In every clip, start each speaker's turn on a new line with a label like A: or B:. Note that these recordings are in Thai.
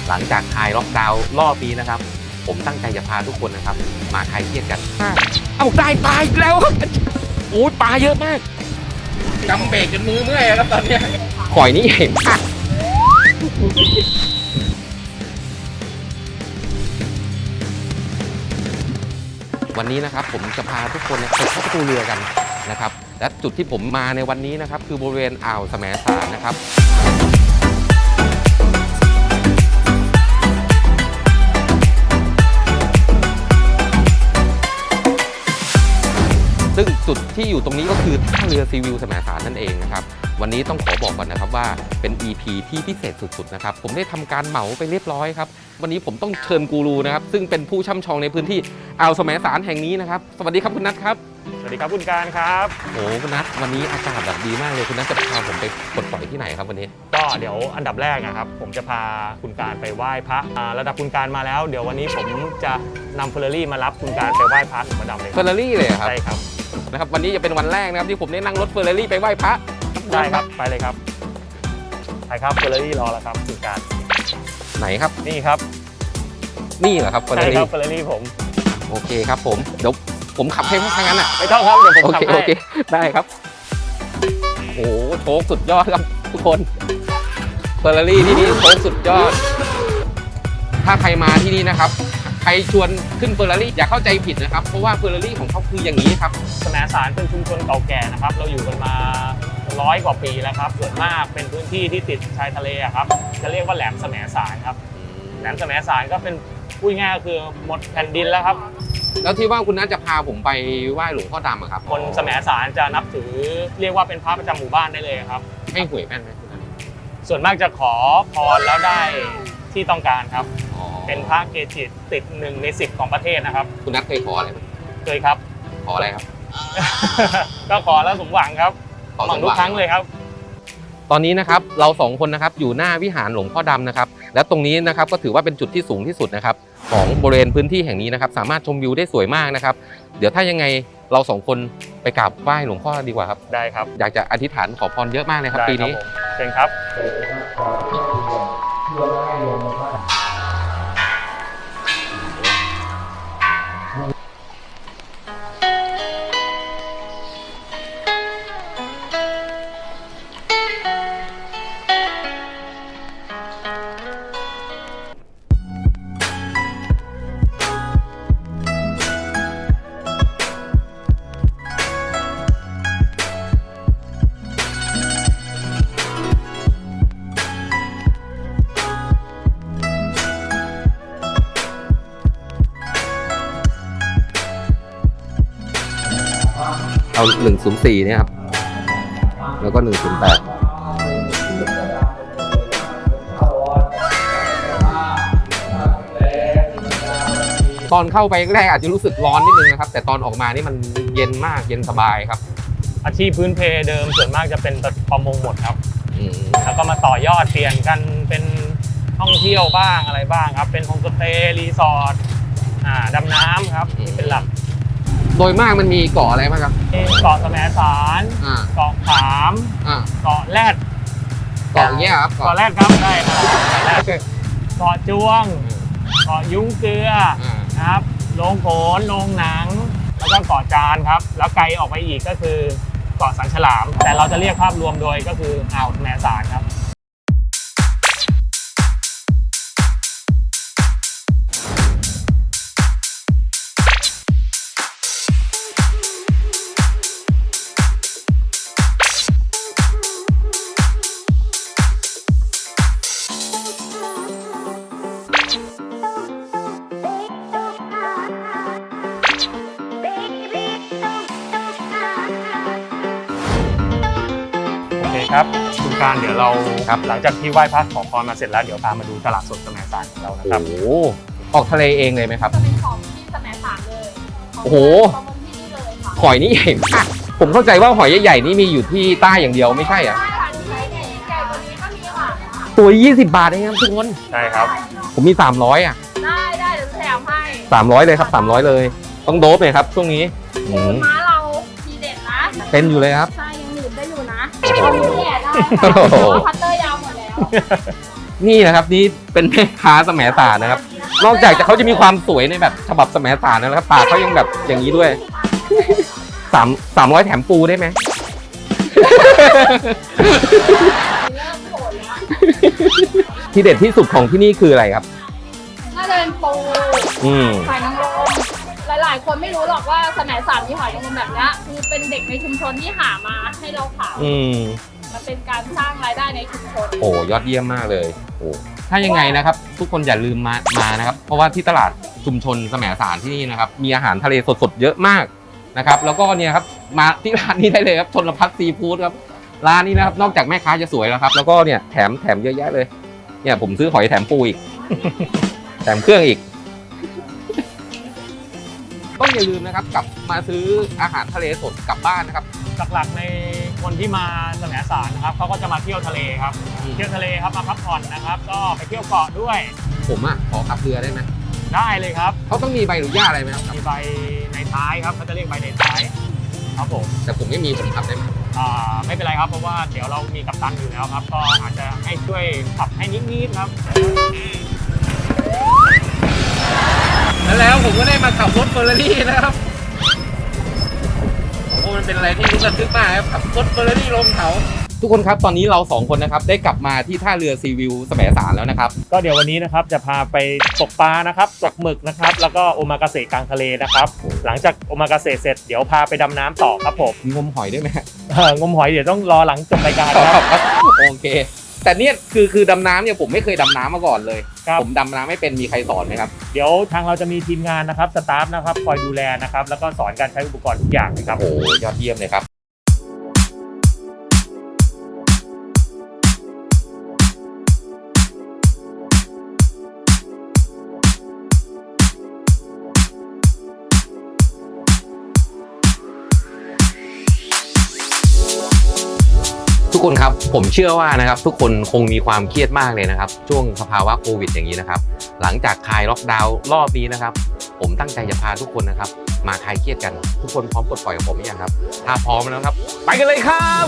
A: หลังจากคลายล็อกดาวน์รอบนี้นะครับผมตั้งใจจะพาทุกคนนะครับมาคลายเครียดกันเอาได้ปลาอีกแล้วครับโอ้ยปลาเยอะมากกำเบรกจนมือเมื่อยครับตอนนี้หอยนี่ใหญ่มากวันนี้นะครับผมจะพาทุกคนไปเข้าประตูเรือกันนะครับและจุดที่ผมมาในวันนี้นะครับคือบริเวณอ่าวแสมสารนะครับซึ่งจุดที่อยู่ตรงนี้ก็คือท่าเรือซีวิวแสมสารนั่นเองนะครับวันนี้ต้องขอบอกก่อนนะครับว่าเป็น EP ที่พิเศษสุดๆนะครับผมได้ทำการเหมาไปเรียบร้อยครับวันนี้ผมต้องเชิญกูรูนะครับซึ่งเป็นผู้ช่ำชองในพื้นที่อ่าวแสมสารแห่งนี้นะครับสวัสดีครับคุณนัทครับ
B: สวัสดีครับคุณการครับ
A: โอ้คุณนัทวันนี้อากาศแบบดีมากเลยคุณนัทจะพาผมไปปลดปล่อยที่ไหนครับวันนี้
B: ก็เดี๋ยวอันดับแรกนะครับผมจะพาคุณการไปไหว้พระระดับคุณการมาแล้วเดี๋ยววันนี้ผมจะนำเฟอร์รารี่มารับคุณการไปไหว้พระหลวงพ่อดำเลย
A: เฟอร์รารี่เลยครับ
B: ใช่ครับ
A: นะครับวันนี้จะเป็นวันแรกนะครับที่ผมได้นั่งรถเฟอร์รารี่ไปไหว้พระ
B: ได้ครับไปเลยครับไปครับเฟอร์รารี่รอแล้วครับคุณการ
A: ไหนครับ
B: นี่ครับ
A: นี่เหรอครับเฟอร์รารี่
B: ใช่ครับเฟอร์รารี่ผม
A: โอเคครับผมเดี๋ยวผมขับให้ทางนั้นอ่ะ
B: ไม่ต้องครับเดี๋ยวผมขับให้
A: โอเคได้ครับโอ้โชคสุดยอดครับทุกคนเฟอร์รารี่ที่นี่โชคสุดยอดถ้าใครมาที่นี่นะครับใครชวนขึ้นเฟอร์รารี่อย่าเข้าใจผิดนะครับเพราะว่าเฟอร์รารี่ของเขาคืออย่างนี้ครับ
B: แสมสารเป็นชุมชนเก่าแก่นะครับเราอยู่กันมา100 กว่าปีแล้วครับส่วนมากเป็นพื้นที่ที่ติดชายทะเลครับจะเรียกว่าแหลมแสมสารครับแหลมแสมสารก็เป็นพูดง่ายก็คือหมดแผ่นดินแล้วครับ
A: แล้วที่ว่าคุณน่าจะพาผมไปไหว้หลวงพ่อดำอะครับ
B: คนแสมสารจะนับถือเรียกว่าเป็นพระประจำหมู่บ้านได้เลยครับ
A: ให้หวยแม่นไหมคุณนัท
B: ส่วนมากจะขอพรแล้วได้ที่ต้องการครับเป็นพระเกจิติด1 ใน 10ของประเทศนะครับ
A: คุณนัทเคยขออะไรไหม
B: เคยครับ
A: ขออะไรครับ
B: ก็ขอแล้วสมหวังครับสมหวังทุกครั้งเลยครับ
A: ตอนนี้นะครับเรา2คนนะครับอยู่หน้าวิหารหลวงพ่อดำนะครับและตรงนี้นะครับก็ถือว่าเป็นจุดที่สูงที่สุดนะครับของบริเวณพื้นที่แห่งนี้นะครับสามารถชมวิวได้สวยมากนะครับเดี๋ยวถ้ายังไงเรา2คนไปกราบไหว้หลวงพ่อดีกว่าครับ
B: ได้ครับ
A: อยากจะอธิษฐานขอพรเยอะมากเลยครับปีนี้
B: เชิญครับ
A: เอา104เนี่ยครับแล้วก็108ตอนเข้าไปแรกอาจจะรู้สึกร้อนนิดนึงนะครับแต่ตอนออกมานี่มันเย็นมากเย็นสบายครับ
B: อาชีพพื้นเพเดิมส่วนมากจะเป็นประมงหมดครับแล้วก็มาต่อยอดเปลี่ยนกันเป็นท่องเที่ยวบ้างอะไรบ้างครับเป็นโฮมสเตย์รีสอร์ทดำน้ำครับที่เป็นหลัก
A: โดยมากมันมีเกาะอะไรบ้างครับ
B: เกาะแสมสารเกาะขามเกาะแรด
A: เกาะเงี้ยครับ
B: เกาะแรดครับได้ครับเกาะจวงเกาะยุ้งเกลือนะครับโรงโขนโรงหนังแล้วก็เกาะจานครับแล้วไกลออกไปอีกก็คือเกาะสันฉลามแต่เราจะเรียกภาพรวมโดยก็คืออ่าวแสมสารครับครับคุณการเดี๋ยวเราหลังจากที่ไหว้พระขอพรมาเสร็จแล้วเดี๋ยวพามาดูตลาดสดแสมสารของเรานะครับ
A: โอ้โหออกทะเลเองเลยไหมครับ
C: จะเป็นของที่แสมสารเลย
A: โอ้โหหอยนี่ใหญ่มากผมเข้าใจว่าหอยใหญ่ๆนี่มีอยู่ที่ใต้อย่างเดียวไม่ใช่อ่ะ
C: ใช่ค่ะใหญ่กว่านี้ก็มีค่ะ
A: ตัว20 บาทเองครับทุกคน
B: ใช่ครับ
A: ผมมี300อ่ะ
C: ได้เดี๋ยวแถมให้
A: 300เลยครับ300เลยต้องโดบเลยครับช่วงนี้
C: ม้าเราทีเด็ดนะ
A: เป็นอยู่เลยครับ
C: ใช่ยังหนืดได้อยู่นะตอนนี้แย่ได้ค่ะพัตเตอร์ยาวหมดแล้ว
A: นี่นะครับนี่เป็นแม่ค้าแสมสารนะครับ นอกจากเขาจะมีความสวยในแบบฉบับแสมสารนะครับปากเขายังแบบอย่างนี้ด้วย300แถมปูได้ไหม
C: เริ่มโผล่แล้ว
A: ที่เด็ดที่สุดของที่นี่คืออะไรครับ
C: น่าจะเป็นปู
A: อืม
C: หอยนางรมหลายๆ คนไม่รู้หรอกว่าสมัยสามมีหอยนางรมแบบเนี้ยคือเป็นเด็กในชุมชนที่หามาให้เราขาย
A: อืม
C: มันเป็นการสร้างรายได้ในชุมชน
A: โอ้ยอดเยี่ยมมากเลยโอ้ถ้ายังไงนะครับ ทุกคนอย่าลืมมานะครับ เพราะว่าที่ตลาดชุมชนแสมสารที่นี่นะครับ มีอาหารทะเลสดๆเยอะมากนะครับ แล้วก็เนี่ยครับมาที่ร้านนี้ได้เลยครับชนพัฒน์ซีฟู้ดครับร้านนี้นะครับนอกจากแม่ค้าจะสวยแล้วครับ แล้วก็เนี่ยแถมเยอะแยะเลยเนี่ยผมซื้อหอยแถมปูอีก แถมเครื่องอีก ต้องอย่าลืมนะครับกลับมาซื้ออาหารทะเลสดกลับบ้านนะครับ
B: หลักๆในคนที่มาแสมสารนะครับเขาก็จะมาเที่ยวทะเลครับ เที่ยวทะเลครับมาพักผ่อนนะครับ ก็ไปเที่ยวเกาะด้วย
A: ผมขอขับเรือได้ไหม
B: ได้เลยครับ
A: เขาต้องมีใบอนุญาตอะไรไหมครับ
B: มีใบในท้ายครับเขาจะเรียกใบในท้ายครับผม
A: แต่ผมไม่มีผมขับได้ไหม
B: ไม่เป็นไรครับเพราะว่าเดี๋ยวเรามีกัปตันอยู่แล้วครับ ก็อาจจะให้ช่วยขับให้นิดๆครับ
A: แล้วผมก็ได้มาขับรถเฟอร์รารี่นะครับ โอ้มันเป็นอะไรที่ระทึกมากครับขับรถเฟอร์รารี่ลงเขาทุกคนครับตอนนี้เรา2คนนะครับได้กลับมาที่ท่าเรือซีวิวแสมสารแล้วนะครับ
B: ก็เดี๋ยววันนี้นะครับจะพาไปตกปลานะครับตกหมึกนะครับ แล้วก็โอมากาเสะกลางทะเลนะครับ หลังจากโอมากาเสะเสร็จเดี๋ยวพาไปดำน้ำต่อครับผม
A: มีงมหอยด้วยไหม
B: งมหอยเดี๋ยวต้องรอหลังจบรายการครับ
A: โอเค แต่เนี่ยคือดำน้ำเนี่ยผมไม่เคยดำน้ำมาก่อนเลย
B: ครับ
A: ผมดำน้ำไม่เป็นมีใครสอนไหมครับ
B: เดี๋ยวทางเราจะมีทีมงานนะครับสตาฟนะครับคอยดูแลนะครับแล้วก็สอนการใช้อุปกรณ์ทุกอย่างนะครับ
A: โอ้ยอดเยี่ยมเลยครับทุกคนครับผมเชื่อว่านะครับทุกคนคงมีความเครียดมากเลยนะครับช่วงสภาวะโควิดอย่างนี้นะครับหลังจากคลายล็อกดาวน์รอบนี้นะครับผมตั้งใจจะพาทุกคนนะครับมาคลายเครียดกันทุกคนพร้อมปลดปล่อยกับผมหรือยังครับถ้าพร้อมแล้วครับไปกันเลยครับ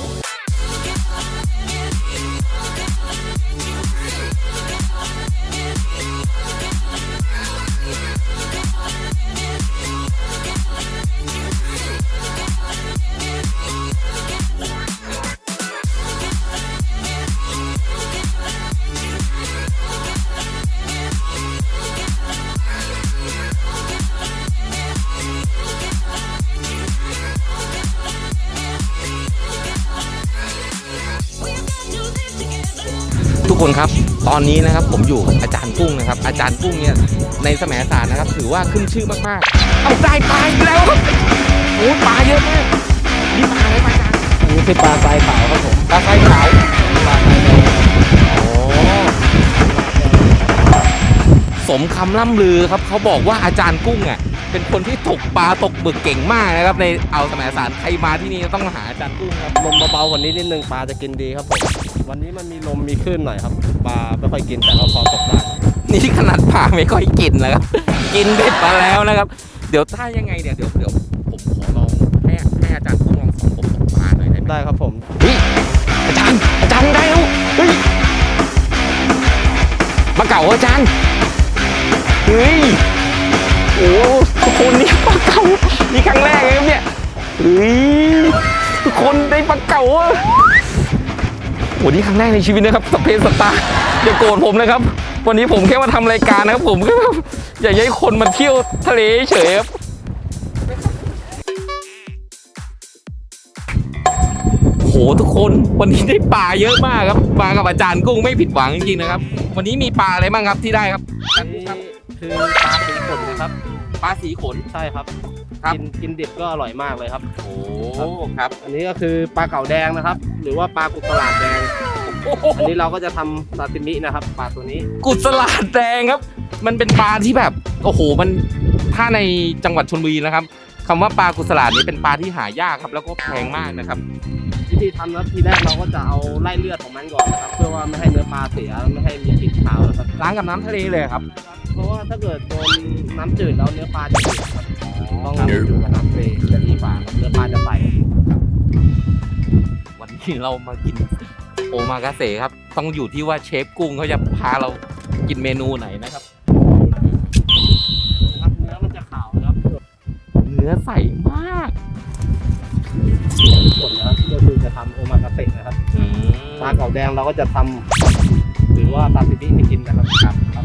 A: ทุกคนครับตอนนี้นะครับผมอยู่กับอาจารย์กุ้งนะครับอาจารย์กุ้งเนี่ยในแสมสารนะครับถือว่าขึ้นชื่อมากๆเอาได้ปลาอีกแล้วครับโอ้ปลาเยอะมากนี่ปลาอะไรมาอาจารย์
B: นี่คือปลาทรายขาวครับผม
A: ปลาไซขาว
B: ปลาทรายแดง
A: โอ้สมคำล่ำลือครับเขาบอกว่าอาจารย์กุ้งเป็นคนที่ตกปลาตกหมึกเก่งมากนะครับในอ่าวแสมสารใครมาที่นี่ต้องมาหาอาจารย์กุ้งครับ
D: ลมเบาๆกว่านี้นิดนึงปลาจะกินดีครับผมวันนี้มันมีลมมีคลื่นหน่อยครับปลาไม่ค่อยกินแต่ก็พอตกได้
A: นี่ขนาดปลาไม่ค่อยกินนะครับ กินเบ็ดมาแล้วนะครับ เดี๋ยวถ้ายังไงเดี๋ยวผมขอลองให้อาจารย์กุ้งลองสอนผมตกปลาหน่อยได้ไหม
D: ได้ครับผม
A: เฮ้ยอาจารย์ได้แล้วเฮ้ยมาเก่าอาจารย์เฮ้ยโอ้ทุกคนนี่ปลาเก่านี่ครั้งแรกเลยครับเนี่ยเฮ้ยทุกคนได้ปลาเก่าอะโอ้นี่ครั้งแรกในชีวิตนะครับสเปนสตาร์อย่าโกรธผมนะครับ วันนี้ผมแค่มาทำรายการนะครับผมก็อยากให้คนมาเที่ยวทะเลเฉยครับโหทุกคนวันนี้ได้ปลาเยอะมากครับมากับอาจารย์กุ้งไม่ผิดหวังจริงๆนะครับ วันนี้มีปลาอะไรบ้างครับที่ได้ครับ
D: อันนี้คือปลาสีขนนะครับ
A: ปลาสีขน
D: ใช่ครับ
A: ครับ
D: กินดิบก็อร่อยมากเลยครับ
A: โอ้ครับ
D: อันนี้ก็คือปลาเก๋าแดงนะครับ หรือว่าปลากุตลาดแดง อันนี้เราก็จะทำซาซิมินะครับปลาตัวนี้
A: กุศลาดแดงครับ มันเป็นปลาที่แบบโอ้โหมันถ้าในจังหวัดชลบุรีนะครับคำว่าปลากุศลาดนี้เป็นปลาที่หายากครับแล้วก็แพงมากนะครับ
D: วิธีทำนะทีแรกเราก็จะเอาไล่เลือดของมันก่อนนะครับ เพื่อว่าไม่ให้เนื้อปลาเสียไม่ให้มีกลิ่นคาวนะครับ
A: ล้างกับน้ำทะเลเลยครับ
D: เพราะว่าถ้าเกิดโดนน้ำจืดแล้วเนื้อปลาจะจืดครับต้องอยู่กับน้ำทะเลจะดีกว่าครับเนื้อปลาจะใส
A: วันนี้เรามากินโอมากาเสะครับต้องอยู่ที่ว่าเชฟกุ้งเขาจะพาเรากินเมนูไหนนะครับ
D: นะครับเนื้อมันจะขาวนะครับ
A: เนื้อใสมาก
D: ผลนะครับก็คือจะทำโอมากาเสะนะครับปลาเก๋าแดงเราก็จะทำหรือว่าซาซิมิให้กินนะครับครับ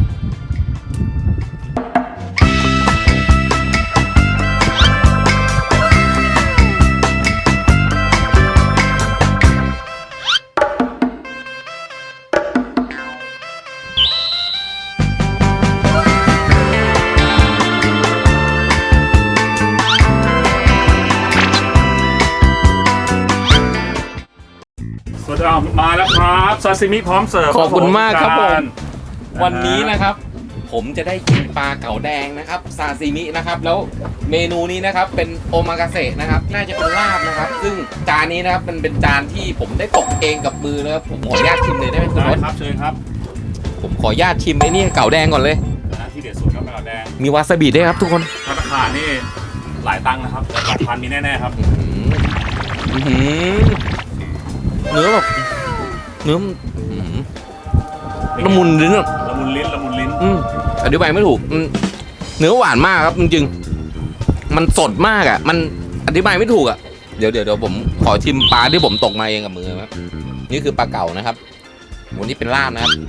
E: สวัสดีครับมาแล้วครับซาซิมิพร้อมเสิร์ฟ
A: ขอบคุณมากครับผม
E: ะ
A: วันนี้นะครับ ผมจะได้กินปลาเก๋าแดงนะครับซาซิมินะครับแล้วเมนูนี้นะครับเป็นโอมากาเสะนะครับน่าจะเป็นลาบนะครับ ซึ่งจานนี้นะครับมันเป็นจานที่ผมได้ตกเองกับมือนะครับผมขออนุญาตชิมเลยได้ไหมคุณ
E: ได้
A: รส
E: ครับเชิญครับ
A: ผมขออนุญาตชิมไอ้นี่เก๋าแดงก่อนเลย
E: นะที่เด็ดสุดครับปลาแดง
A: มีวาซาบิด้วยครับทุกคน
E: ราคานี่หลายตังค์นะครับแต่หลักพันมีแน่ๆครับ
A: อื้อหือเนื้อแบบเนื้อมันละมุนลิ้นอะ
E: ละมุนลิ้นละมุนลิ้น
A: อธิบายไม่ถูกเนื้อหวานมากครับจริงๆมันสดมากอ่ะมันอธิบายไม่ถูกอ่ะเดี๋ยวผมขอชิมปลาที่ผมตกมาเองกับมือครับนี่คือปลาเก๋านะครับวันนี้เป็นลาบนะครับ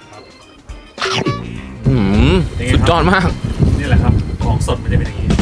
A: สุดยอดมาก
E: นี่แหละครับของสดมันจะเป็นอย่างนี้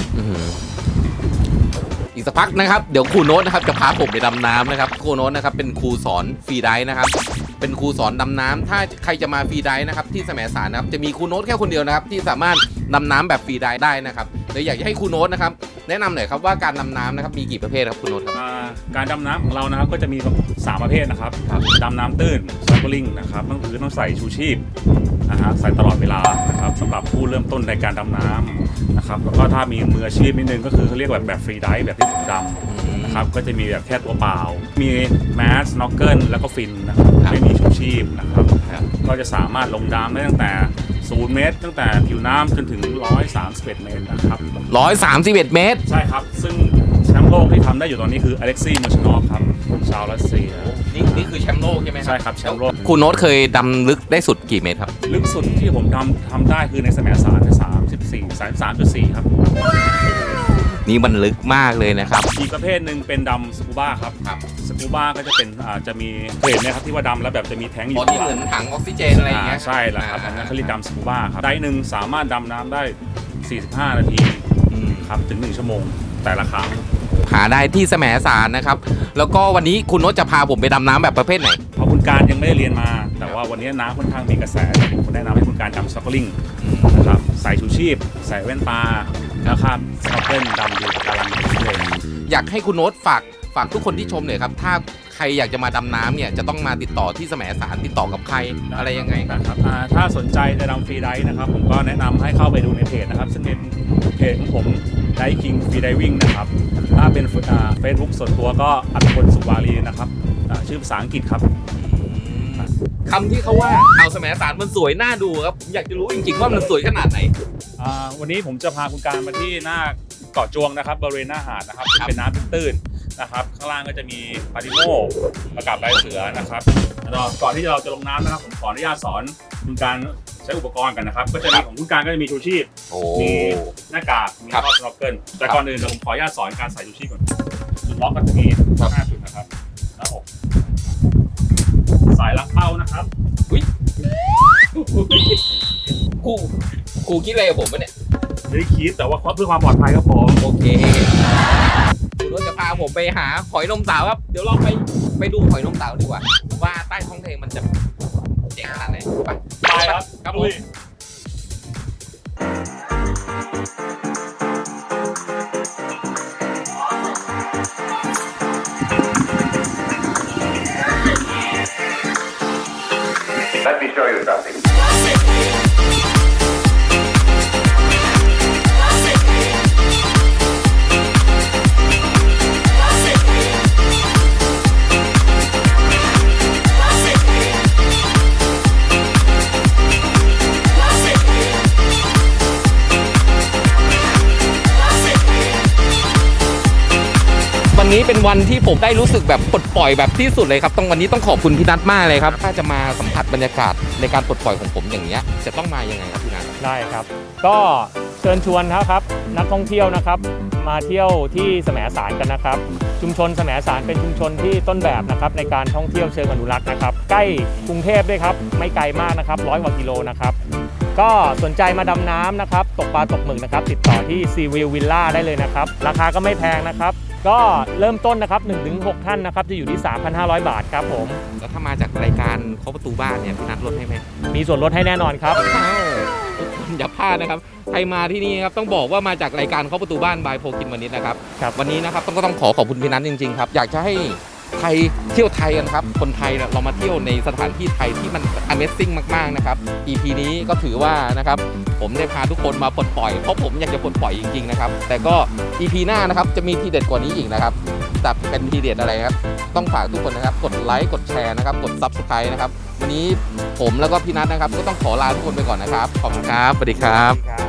A: อีกสักพักนะครับเดี๋ยวครูโน้ตนะครับจะพาผมไปดำน้ำนะครับครูโน้ตนะครับเป็นครูสอนฟรีไดฟ์นะครับเป็นครูสอนดำน้ำถ้าใครจะมาฟรีไดฟ์นะครับที่แสมสารนะครับจะมีครูโน้ตแค่คนเดียวนะครับที่สามารถดำน้ำแบบฟรีไดฟ์ได้นะครับเดี๋ยวอยากจะให้ครูโน้ตนะครับแนะนำหน่อยครับว่าการดำน้ำนะครับมีกี่ประเภทครับครูโน้ตครับ
E: การดำน้ำของเรานะครับก็จะมี3ประเภทนะครับดำน้ำตื้นสโนว์ลิ่งนะครับต้องคือต้องใส่ชูชีพนะฮะใส่ตลอดเวลานะครับสำหรับผู้เริ่มต้นในการดำน้ำนะครับแล้วก็ถ้ามีมืออาชีพนิดนึงก็คือเขาเรียกแบบฟรีไดฟ์แบบที่ผมดำนะครับก็จะมีแบบแค่ตัวเปล่ามีแมสสโนว์เกิลแล้วก็ฟินนะครับไม่มีชูชีพนะครับก็จะสามารถลงน้ำได้ตั้งแต่0 เมตรตั้งแต่ผิวน้ำจนถึง131 เมตรนะครับ
A: 131 เมตร
E: ใช่ครับซึ่งแชมป์โลกที่ทำได้อยู่ตอนนี้คืออเล็กซี่มอชนอฟครับชาวรัสเซีย
A: นี่คือแชมป์โลกใช่ไหม
E: ใช่ครับแชมป์โลก
A: ครูโน้ตเคยดำลึกได้สุดกี่เมตรครับ
E: ลึกสุดที่ผมทำได้คือในแสมสาร33.4 ครับ
A: นี่มันลึกมากเลยนะครับ
E: อีกประเภทหนึ่งเป็นดำสกูบ้าครับสกูบ้าก็จะเป็นจะมีเห็นไหมครับที่ว่าดำแล้วแบบจะมีแท้งอยู่
A: ที่เหมือนถังออกซิเจนอะไรอย่างเงี้ย
E: ใช่แล้วครับอันนั้นเขาเรียกดำสกูบ้าครับได้หนึ่งสามารถดำน้ำได้45 นาทีครับถึง1 ชั่วโมงแต่ละครั้ง
A: หาได้ที่แสมสารนะครับแล้วก็วันนี้คุณโน้ตจะพาผมไปดำน้ำแบบประเภทไหน
E: เพราะคุณการยังไม่ได้เรียนมา แต่ว่าวันนี้น้ำค่อนข้างมีกระแสผมแนะนำให้คุณการดำสโนว์ลิ่งนะครับใส่ชูชีพใส่แว่นตาแล้วครับสโนว์เกิลดำดูการันเลย
A: อยากให้คุณโน้ตฝากทุกคนที่ชมหน่อยครับถ้าใครอยากจะมาดำน้ำเนี่ยจะต้องมาติดต่อที่แสมสารติดต่อกับใครอะไรยังไง
E: ครับถ้าสนใจจะดำฟรีไดฟ์นะครับผมก็แนะนำให้เข้าไปดูในเพจนะครับซึ่งเป็นเพจของผมไดคิงฟรีไดวิ่งนะครับถ้าเป็นเฟซบุ๊กส่วนตัวก็อัตพลสุวารีนะครับชื่อภาษาอังกฤษครับ
A: คำที่เขาว่าอ่าวแสมสารมันสวยน่าดูครับผมอยากจะรู้จริงๆว่ามันสวยขนาดไหน
E: วันนี้ผมจะพาคุณการมาที่หน้าเกาะจวงนะครับบริเวณหน้าหาดนะครับซึ่งเป็นน้ำตื้นๆนะครับข้างล่างก็จะมีปาริโมประกับลายเสือนะครับก่อนที่เราจะลงน้ำนะครับผมขออนุญาตสอนคุณการใช้อุปกรณ์กันนะครับก็จะมีของคุณการก็จะมีชูชีพมีหน้ากากมีข้อสโนว์เกิลแต่ก่อนอื่นผมขออนุญาตสอนการใส่ชูชีพก่อนจุดล็อกก็จะมี5 จุดนะครับหน้าอกสายลักเป้านะครับ
A: ครูคิดอะไรกับผมวะเนี่ย
E: ไม่ได้คิดแต่ว่าเพื่อความปลอดภัยครับผม
A: โอเคคุณว่าจะพาผมไปหาหอยนมสาวครับเดี๋ยวเราไปดูหอยนมสาวดีกว่าว่าใต้ท้องทะเลมันจะเจ๋งขนาดไหน
E: ไปครับ
A: ครับผม
F: Let me show you something.
A: บวันนี้เป็นวันที่ผมได้รู้สึกแบบปลดปล่อยแบบที่สุดเลยครับวันนี้ต้องขอบคุณพี่นัทมากเลยครับถ้าจะมาสัมผัสบรรยากาศในการปลดปล่อยของผมอย่างเงี้ยจะต้องมายังไงครับพี่นัท
B: ได้ครับ ก็เชิญชวนครับนักท่องเที่ยวนะครับมาเที่ยวที่แสมสารกันนะครับ ชุมชนแสมสารเป็นชุมชนที่ต้นแบบนะครับในการท่องเที่ยวเชิงอนุรักษ์นะครับใกล้กรุงเทพด้วยครับไม่ไกลมากนะครับ100 กว่ากิโลนะครับก็สนใจมาดำน้ำนะครับตกปลาตกหมึกนะครับติดต่อที่ซีวิววิลล่าได้เลยนะครับราคาก็ไม่แพงนะครับก็เริ่มต้นนะครับ 1-6 ท่านนะครับจะอยู่ที่ 3,500 บาทครับผม
A: แล้วถ้ามาจากรายการเคาะประตูบ้านเนี่ยพี่นัทลดให้ไหม
B: มีส่วนลดให้แน่นอนครับ
A: อย่าพลาดนะครับใครมาที่นี่ครับต้องบอกว่ามาจากรายการเคาะประตูบ้านบายโพกินวันนี้นะครับ
B: ครับ
A: วันนี้นะครับต้องขอบคุณพี่นัทจริงๆครับอยากจะให้ไทยเที่ยวไทยกันครับคนไทยเนี่ยเรามาเที่ยวในสถานที่ไทยที่มัน Amazing มากๆนะครับ EP นี้ก็ถือว่านะครับผมได้พาทุกคนมาปลดปล่อยเพราะผมอยากจะปลดปล่อยจริงๆนะครับแต่ก็ EP หน้านะครับจะมีทีเด็ดกว่านี้อีกนะครับแต่เป็นทีเด็ดอะไรครับต้องฝากทุกคนนะครับกดไลค์กดแชร์นะครับกด Subscribe นะครับวันนี้ผมแล้วก็พี่นัทนะครับก็ต้องขอลาทุกคนไปก่อนนะครับขอบคุณครับสวัสดีครับ
B: ครับ